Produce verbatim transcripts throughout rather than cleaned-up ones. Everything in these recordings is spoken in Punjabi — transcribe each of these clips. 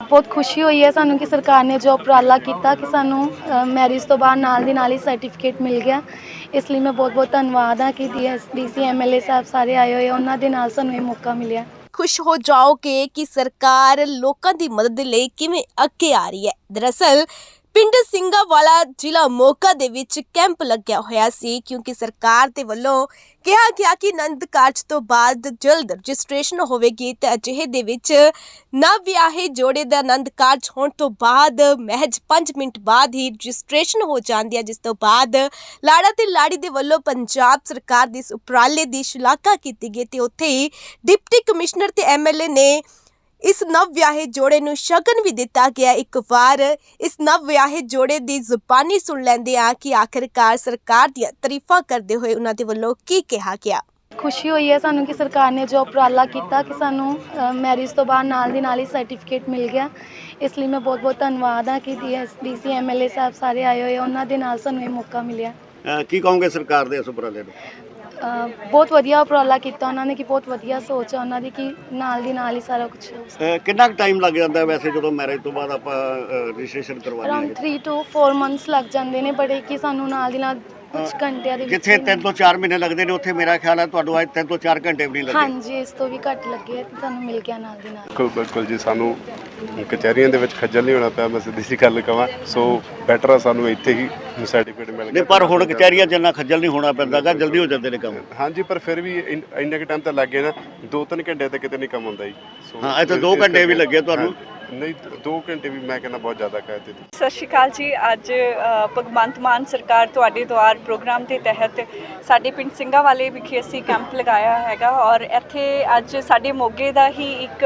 ਬਹੁਤ ਖੁਸ਼ੀ ਹੋਈ ਹੈ ਸਾਨੂੰ ਕਿ ਸਰਕਾਰ ਨੇ ਜੋ ਉਪਰਾਲਾ ਕੀਤਾ ਕਿ ਸਾਨੂੰ ਮੈਰਿਜ ਤੋਂ ਬਾਅਦ ਨਾਲ ਦੀ ਨਾਲ ਹੀ ਸਰਟੀਫਿਕੇਟ ਮਿਲ ਗਿਆ। ਇਸ ਲਈ ਮੈਂ ਬਹੁਤ ਬਹੁਤ ਧੰਨਵਾਦ ਹਾਂ ਕਿ ਡੀਐਸ ਡੀਸੀ ਐਮਐਲਏ ਸਾਹਿਬ ਸਾਰੇ ਆਏ ਹੋਏ, ਉਹਨਾਂ ਦੇ ਨਾਲ ਸਾਨੂੰ ਇਹ ਮੌਕਾ ਮਿਲਿਆ। खुश हो जाओगे कि सरकार लोगों की मदद ਲਈ ਕਿਵੇਂ ਅੱਗੇ ਆ ਰਹੀ ਹੈ। दरअसल ਪਿੰਡ ਸਿੰਘਾਵਾਲਾ ਜ਼ਿਲ੍ਹਾ ਮੋਗਾ ਦੇ ਵਿੱਚ ਕੈਂਪ ਲੱਗਿਆ ਹੋਇਆ ਸੀ ਕਿਉਂਕਿ ਸਰਕਾਰ ਦੇ ਵੱਲੋਂ ਕਿਹਾ ਗਿਆ ਕਿ ਆਨੰਦ ਕਾਰਜ ਤੋਂ ਬਾਅਦ ਜਲਦ ਰਜਿਸਟ੍ਰੇਸ਼ਨ ਹੋਵੇਗੀ ਤੇ ਅਜਿਹੇ ਦੇ ਵਿੱਚ ਨਵ ਵਿਆਹੇ ਜੋੜੇ ਦਾ ਆਨੰਦ ਕਾਰਜ ਹੋਣ ਤੋਂ ਬਾਅਦ ਮਹਿਜ ਪੰਜ ਮਿੰਟ ਬਾਅਦ ਹੀ ਰਜਿਸਟ੍ਰੇਸ਼ਨ ਹੋ ਜਾਂਦੀ ਹੈ, ਜਿਸ ਤੋਂ ਬਾਅਦ ਲਾੜਾ ਤੇ ਲਾੜੀ ਦੇ ਵੱਲੋਂ ਪੰਜਾਬ ਸਰਕਾਰ ਦੇ ਇਸ ਉਪਰਾਲੇ ਦੀ ਸ਼ਲਾਘਾ ਕੀਤੀ ਗਈ ਤੇ ਉੱਥੇ ਹੀ ਡਿਪਟੀ ਕਮਿਸ਼ਨਰ ਤੇ ਐਮਐਲਏ ਨੇ इस नव व्याहे जोड़े नूं शगन भी दिता गया। एक बार इस नव व्याहे जोड़े दी जुबानी सुन लैंदे आ कि आखिरकार सरकार दी तारीफां करदे होए उन्हां दे वल्लों की कहा गया। ਖੁਸ਼ੀ ਹੋਈ ਹੈ ਸਾਨੂੰ ਕਿ ਸਰਕਾਰ ਨੇ ਜੋ ਉਪਰਾਲਾ ਕੀਤਾ ਕਿ ਸਾਨੂੰ ਮੈਰਿਜ ਤੋਂ ਬਾਅਦ ਨਾਲ ਦੀ ਨਾਲ ਹੀ ਸਰਟੀਫਿਕੇਟ ਮਿਲ ਗਿਆ। ਇਸ ਲਈ ਮੈਂ ਬਹੁਤ ਬਹੁਤ ਧੰਨਵਾਦ ਹਾਂ ਕਿ ਡੀਐਸ ਡੀਸੀ ਐਮਐਲਏ ਸਾਹਿਬ ਸਾਰੇ ਆਏ ਹੋਏ, ਉਹਨਾਂ ਦੇ ਨਾਲ ਸਾਨੂੰ ਇਹ ਮੌਕਾ ਮਿਲਿਆ। ਕੀ ਕਹੋਗੇ ਸਰਕਾਰ ਦੇ ਇਸ ਉਪਰਾਲੇ ਨੂੰ? ਬਹੁਤ ਵਧੀਆ ਉਪਰਾਲਾ ਕੀਤਾ ਉਹਨਾਂ ਨੇ ਕਿ ਬਹੁਤ ਵਧੀਆ ਸੋਚ ਹੈ ਉਹਨਾਂ ਦੀ ਕਿ ਨਾਲ ਦੀ ਨਾਲ ਹੀ ਸਾਰਾ ਕੁਝ। ਕਿੰਨਾ ਕੁ ਟਾਈਮ ਲੱਗ ਜਾਂਦਾ ਵੈਸੇ ਜਦੋਂ ਮੈਰਿਜ ਤੋਂ ਬਾਅਦ ਆਪਾਂ ਰਜਿਸਟ੍ਰੇਸ਼ਨ ਕਰਵਾਉਂਦੇ ਹਾਂ? Around three two four months ਲੱਗ ਜਾਂਦੇ ਨੇ, ਬੜੇ ਕਿ ਸਾਨੂੰ ਨਾਲ ਦੀ ਨਾਲ ਕੁਝ ਘੰਟਿਆਂ ਦੇ ਵਿੱਚ। ਜਿੱਥੇ ਤਿੰਨ ਤੋਂ ਚਾਰ ਮਹੀਨੇ ਲੱਗਦੇ ਨੇ ਉੱਥੇ ਮੇਰਾ ਖਿਆਲ ਹੈ ਤੁਹਾਨੂੰ ਅੱਜ ਤਿੰਨ ਤੋਂ ਚਾਰ ਘੰਟੇ ਵੀ ਨਹੀਂ ਲੱਗੇ। ਹਾਂਜੀ, ਇਸ ਤੋਂ ਵੀ ਘੱਟ ਲੱਗੇ ਤੇ ਸਾਨੂੰ ਮਿਲ ਗਿਆ ਨਾਲ ਦੀ ਨਾਲ। ਬਿਲਕੁਲ ਬਿਲਕੁਲ ਜੀ, ਸਾਨੂੰ ਕਚਹਿਰੀਆਂ ਦੇ ਵਿੱਚ ਖੱਜਲ ਨਹੀਂ ਹੋਣਾ ਪਿਆ। ਮੈਂ ਸਿੱਧੀ ਜਿਹੀ ਗੱਲ ਕਹਾਂ, ਸੋ ਬੈਟਰ ਆ ਸਾਨੂੰ ਇੱਥੇ ਹੀ ਸਰਟੀਫਿਕੇਟ ਮਿਲ ਗਿਆ। ਪਰ ਹੁਣ ਕਚਹਿਰੀਆਂ 'ਚ ਇੰਨਾ ਖੱਜਲ ਨਹੀਂ ਹੋਣਾ ਪੈਂਦਾ ਗਾ, ਜਲਦੀ ਹੋ ਜਾਂਦੇ ਨੇ ਕੰਮ। ਹਾਂਜੀ, ਪਰ ਫਿਰ ਵੀ ਇੰਨੇ ਕੁ ਟਾਈਮ ਤਾਂ ਲੱਗ ਗਏ ਨਾ, ਦੋ ਤਿੰਨ ਘੰਟੇ ਤਾਂ ਕਿਤੇ ਨਹੀਂ ਕੰਮ ਹੁੰਦਾ ਜੀ। ਹਾਂ, ਇੱਥੇ ਦੋ ਘੰਟੇ ਵੀ ਲੱਗੇ ਤੁਹਾਨੂੰ? ਨਹੀਂ, ਦੋ ਘੰਟੇ ਵੀ ਮੈਂ ਕਹਿੰਦਾ ਬਹੁਤ ਜ਼ਿਆਦਾ ਕਹਿ ਦਿੱਤੇ। ਸਤਿ ਸ਼੍ਰੀ ਅਕਾਲ ਜੀ। ਅੱਜ ਭਗਵੰਤ ਮਾਨ ਸਰਕਾਰ ਤੁਹਾਡੇ ਦੁਆਰ ਪ੍ਰੋਗਰਾਮ ਦੇ ਤਹਿਤ ਸਾਡੇ ਪਿੰਡ ਸਿੰਘਾਵਾਲੇ ਵਿਖੇ ਅਸੀਂ ਕੈਂਪ ਲਗਾਇਆ ਹੈਗਾ ਔਰ ਇੱਥੇ ਅੱਜ ਸਾਡੇ ਮੋਗੇ ਦਾ ਹੀ ਇੱਕ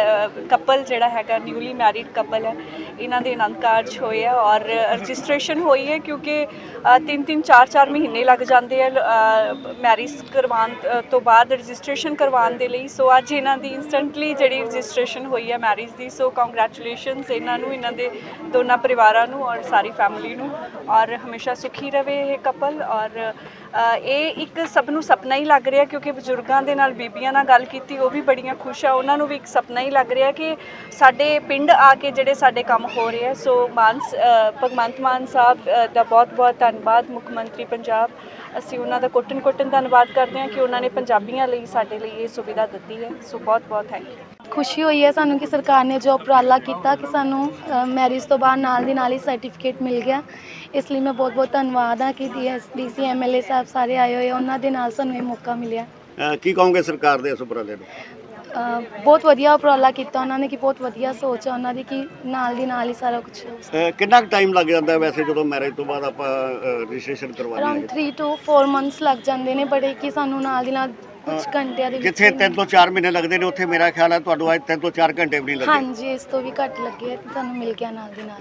ਕਪਲ ਜਿਹੜਾ ਹੈਗਾ, ਨਿਊਲੀ ਮੈਰਿਡ ਕਪਲ ਹੈ, ਇਹਨਾਂ ਦੇ ਆਨੰਦ ਕਾਰਜ ਹੋਏ ਆ ਔਰ ਰਜਿਸਟ੍ਰੇਸ਼ਨ ਹੋਈ ਹੈ ਕਿਉਂਕਿ ਤਿੰਨ ਤਿੰਨ ਚਾਰ ਚਾਰ ਮਹੀਨੇ ਲੱਗ ਜਾਂਦੇ ਆ ਮੈਰਿਜ ਕਰਵਾਉਣ ਤੋਂ ਬਾਅਦ ਰਜਿਸਟ੍ਰੇਸ਼ਨ ਕਰਵਾਉਣ ਦੇ ਲਈ। ਸੋ ਅੱਜ ਇਹਨਾਂ ਦੀ ਇੰਸਟੈਂਟਲੀ ਜਿਹੜੀ ਰਜਿਸਟ੍ਰੇਸ਼ਨ ਹੋਈ ਹੈ ਮੈਰਿਜ ਦੀ, ਸੋ ਕੰਗ੍ਰੈਚੁਲੇਸ਼ਨਸ ਇਹਨਾਂ ਨੂੰ, ਇਹਨਾਂ ਦੇ ਦੋਨਾਂ ਪਰਿਵਾਰਾਂ ਨੂੰ ਔਰ ਸਾਰੀ ਫੈਮਿਲੀ ਨੂੰ, ਔਰ ਹਮੇਸ਼ਾ ਸੁਖੀ ਰਵੇ ਇਹ ਕਪਲ। ਔਰ ਇਹ ਇੱਕ ਸਭ ਨੂੰ ਸੁਪਨਾ ਹੀ ਲੱਗ ਰਿਹਾ ਕਿਉਂਕਿ ਬਜ਼ੁਰਗਾਂ ਦੇ ਨਾਲ ਬੀਬੀਆਂ ਨਾਲ ਗੱਲ ਕੀਤੀ, ਉਹ ਵੀ ਬੜੀਆਂ ਖੁਸ਼ ਆ, ਉਹਨਾਂ ਨੂੰ ਵੀ ਇੱਕ ਸੁਪਨਾ ਹੀ ਲੱਗ ਰਿਹਾ ਕਿ ਸਾਡੇ ਪਿੰਡ ਆ ਕੇ ਜਿਹੜੇ ਸਾਡੇ ਕੰਮ ਹੋ ਰਹੇ ਆ। ਸੋ ਮਾਨ ਭਗਵੰਤ ਮਾਨ ਸਾਹਿਬ ਦਾ ਬਹੁਤ ਬਹੁਤ ਧੰਨਵਾਦ, ਮੁੱਖ ਮੰਤਰੀ ਪੰਜਾਬ। ਅਸੀਂ ਉਹਨਾਂ ਦਾ ਕੋਟਨ ਕੋਟਨ ਧੰਨਵਾਦ ਕਰਦੇ ਹਾਂ ਕਿ ਉਹਨਾਂ ਨੇ ਪੰਜਾਬੀਆਂ ਲਈ ਸਾਡੇ ਲਈ ਇਹ ਸੁਵਿਧਾ ਦਿੱਤੀ ਹੈ। ਸੋ ਬਹੁਤ ਬਹੁਤ ਥੈਂਕ ਯੂ। ਖੁਸ਼ੀ ਹੋਈ ਹੈ ਸਾਨੂੰ ਕਿ ਸਰਕਾਰ ਨੇ ਜੋ ਉਪਰਾਲਾ ਕੀਤਾ ਕਿ ਸਾਨੂੰ ਮੈਰਿਜ ਤੋਂ ਬਾਅਦ ਨਾਲ ਦੀ ਨਾਲ ਹੀ ਸਰਟੀਫਿਕੇਟ ਮਿਲ ਗਿਆ। ਇਸ ਲਈ ਮੈਂ ਬਹੁਤ ਬਹੁਤ ਧੰਨਵਾਦ ਹਾਂ ਕਿ ਡੀਐਸ ਡੀਸੀ ਐਮਐਲਏ ਸਾਹਿਬ ਸਾਰੇ ਆਏ ਹੋਏ, ਉਹਨਾਂ ਦੇ ਨਾਲ ਸਾਨੂੰ ਇਹ ਮੌਕਾ ਮਿਲਿਆ। ਕੀ ਕਹੋਗੇ ਸਰਕਾਰ ਦੇ ਇਸ ਉਪਰਾਲੇ ਨੂੰ? ਬਹੁਤ ਵਧੀਆ ਉਪਰਾਲਾ ਕੀਤਾ ਉਹਨਾਂ ਨੇ ਕਿ ਬਹੁਤ ਵਧੀਆ ਸੋਚ ਹੈ ਉਹਨਾਂ ਦੀ ਕਿ ਨਾਲ ਦੀ ਨਾਲ ਹੀ ਸਾਰਾ ਕੁਝ। ਕਿੰਨਾ ਕੁ ਟਾਈਮ ਲੱਗ ਜਾਂਦਾ ਵੈਸੇ ਜਦੋਂ ਮੈਰਿਜ ਤੋਂ ਬਾਅਦ ਆਪਾਂ ਰਜਿਸਟ੍ਰੇਸ਼ਨ ਕਰਵਾਉਂਦੇ ਹਾਂ? Around three two four months ਲੱਗ ਜਾਂਦੇ ਨੇ, ਬੜੇ ਕਿ ਸਾਨੂੰ ਨਾਲ ਦੀ ਨਾਲ ਕੁਝ ਘੰਟਿਆਂ ਦੇ ਵਿੱਚ। ਜਿੱਥੇ ਤਿੰਨ ਤੋਂ ਚਾਰ ਮਹੀਨੇ ਲੱਗਦੇ ਨੇ ਉੱਥੇ ਮੇਰਾ ਖਿਆਲ ਹੈ ਤੁਹਾਨੂੰ ਅੱਜ ਤਿੰਨ ਤੋਂ ਚਾਰ ਘੰਟੇ ਵੀ ਨਹੀਂ ਲੱਗੇ। ਹਾਂਜੀ, ਇਸ ਤੋਂ ਵੀ ਘੱਟ ਲੱਗੇ ਤੇ ਸਾਨੂੰ ਮਿਲ ਗਿਆ ਨਾਲ ਦੀ ਨਾਲ।